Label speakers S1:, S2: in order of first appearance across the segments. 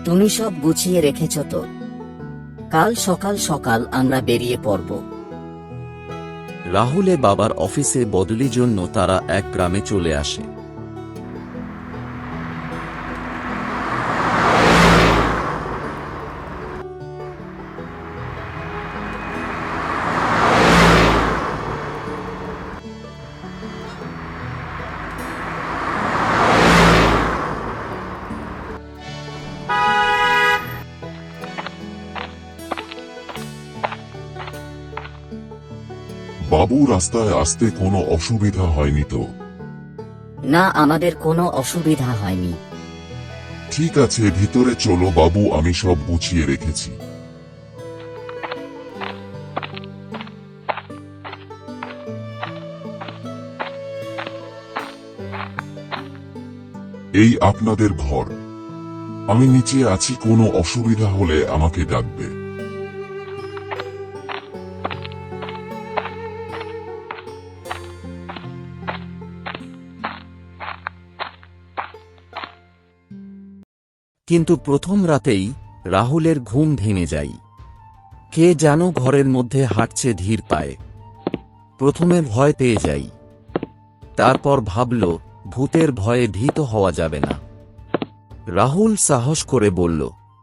S1: তুমি সব গুছিয়ে রেখেছ তো? কাল সকাল সকাল আমরা বেরিয়ে পড়ব।
S2: রাহুলে বাবার অফিসে বদলির জন্য তারা এক গ্রামে চলে আসে।
S3: বাবু, রাস্তায় আসতে কোনো অসুবিধা হয়নি তো?
S1: না, আমাদের কোনো অসুবিধা হয়নি।
S3: ঠিক আছে, ভিতরে চলো বাবু, আমি সব গুছিয়ে রেখেছি। এই আপনাদের ঘর। আমি নিচে আছি, কোনো অসুবিধা হলে আমাকে ডাকবে।
S2: কিন্তু প্রথম রাতেই রাহুলের ঘুম ভেঙে যায়। কে যেন ঘরের মধ্যে হাঁটছে ধীর পায়ে। প্রথমে ভয় পেয়ে যাই, তারপর ভাবল ভূতের ভয়ে ভীত হওয়া যাবে না। রাহুল সাহস করে বলল,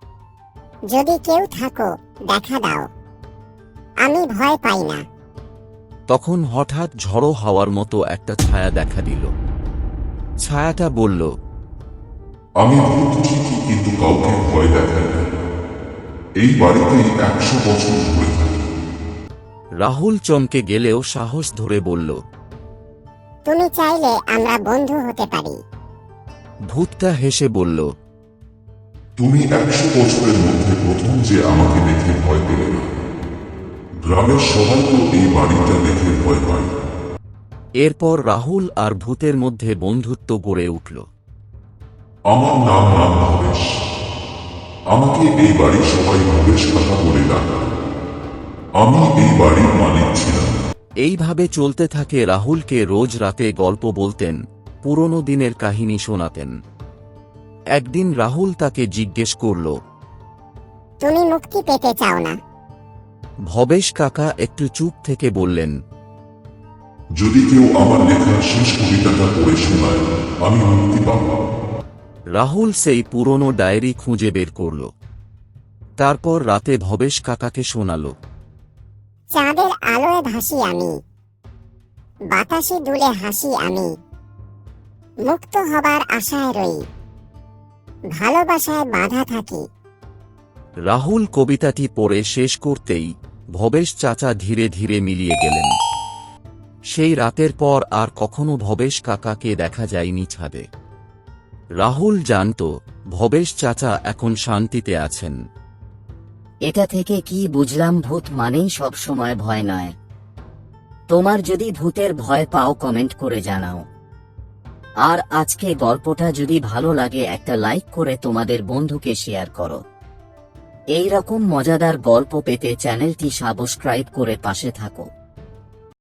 S4: যদি কেউ থাকো দেখা দাও, আমি ভয় পাই না।
S2: তখন হঠাৎ ঝড়ো হাওয়ার মতো একটা ছায়া দেখা দিল। ছায়াটা বলল,
S3: আমি ভূত ঠিকই, কিন্তু কাউকে ভয় দেখাই না। এই বাড়িতেই 100 বছর ধরে থাকি।
S2: রাহুল চমকে গেলেও সাহস ধরে বলল,
S4: তুমি চাইলে আমরা বন্ধু হতে পারি।
S2: ভূতটা হেসে বলল,
S3: তুমি 100 বছরের মধ্যে প্রথম যে আমাকে দেখে ভয় পেলে না। গ্রামের সবাই তো এই বাড়িটা দেখে ভয় পায়।
S2: এরপর রাহুল আর ভূতের মধ্যে বন্ধুত্ব গড়ে উঠল।
S3: আমার নাম ভবেশ। আমাকে এই বাড়ির সবাই ভবেশ কাকা বলে ডাকে। আমি এই বাড়ির মালিক ছিলাম।
S2: এইভাবে চলতে থাকে। রাহুলকে রোজ রাতে গল্প বলতেন, পুরনো দিনের কাহিনী শোনাতেন। একদিন রাহুল তাকে জিজ্ঞেস করল,
S4: তুমি মুক্তি পেতে চাও না?
S2: ভবেশ কাকা একটু চুপ থেকে বললেন,
S3: যদি কেউ আমার লেখা শেষ কবিতাটা পড়ে শোনায়, আমি মুক্তি পাব।
S2: রাহুল সেই পুরনো ডায়েরি খুঁজে বের করল। তারপর রাতে ভবেশ কাকাকে শোনাল,
S4: চাঁদের আলোয় ভাসি আমি, বাতাসে দুলে হাসি আমি, মুক্ত হবার আশায় রই, ভালোবাসায় বাধা থাকি।
S2: রাহুল কবিতাটি পড়ে শেষ করতেই ভবেশ চাচা ধীরে ধীরে মিলিয়ে গেলেন। সেই রাতের পর আর কখনো ভবেশ কাকাকে দেখা যায়নি ছাদে। রাহুল জানত ভবেশ চাচা এখন শান্তিতে আছেন।
S1: এটা থেকে কি বুঝলাম, ভূত মানেই সব সময় ভয় নয়। তোমার যদি ভূতের ভয় পাও কমেন্ট করে জানাও। আর আজকে গল্পটা যদি ভালো লাগে একটা লাইক করে তোমাদের বন্ধুকে শেয়ার করো। এই রকম মজাদার গল্প পেতে চ্যানেলটি সাবস্ক্রাইব করে পাশে থাকো।